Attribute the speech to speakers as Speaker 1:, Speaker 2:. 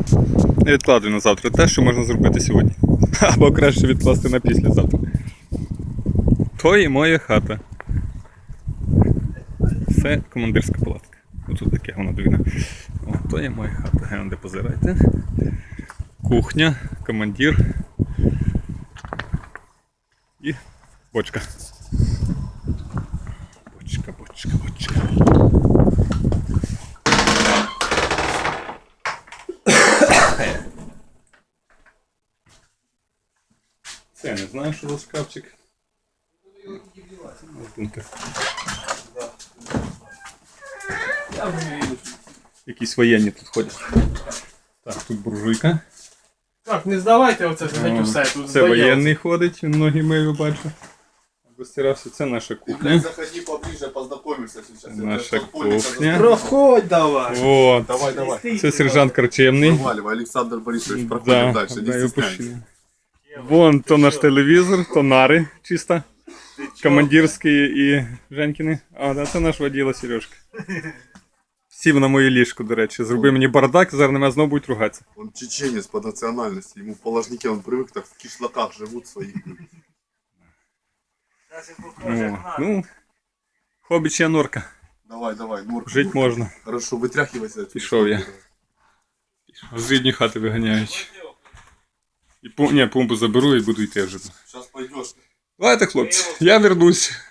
Speaker 1: Не відкладуй на завтра те, що можна зробити сьогодні. Або краще відкласти на післязавтра. То і моя хата. Це командирська палатка. Ось таке воно двійне. О, то є моя хата. Генде, позирайте. Кухня, командир і бочка. Бочка. Це я не знаю, що за шкафчик. Якісь воєнні тут ходять. Так, тут буржуйка.
Speaker 2: Так, не здавайте оце геть усе. Тут
Speaker 1: Це воєнний ходить, він ноги мию, бачу. Розтирався. Це наша кухня.
Speaker 3: Заходи поближе, познакомимся сейчас.
Speaker 1: Наша кухня.
Speaker 2: Проходь давай.
Speaker 1: Вот.
Speaker 3: Давай.
Speaker 1: Це сержант Корчемний.
Speaker 3: Проваливай, Александр Борисович, проходим дальше, не
Speaker 1: його
Speaker 3: стесняйся.
Speaker 1: пущу. Вон то наш телевізор, то нари чисто. Командирські і Женькіни. А, да, це наш воділа Сережка. Сів на моє ліжко, до речі. Зроби мені бардак, зараз на мене знову будуть ругатися.
Speaker 3: Он чеченец по национальности, ему в положнике он привык, так в кишлаках живут своих.
Speaker 1: О, ну, хобіча норка.
Speaker 3: Давай, норка.
Speaker 1: Жить можна.
Speaker 3: Хорошо, вытряхивайся отсюда.
Speaker 1: Пішов я. З рідні хати виганяють. І помпу заберу і буду йти вже.
Speaker 3: Сейчас пойдешь.
Speaker 1: Давайте, хлопці, я вернусь.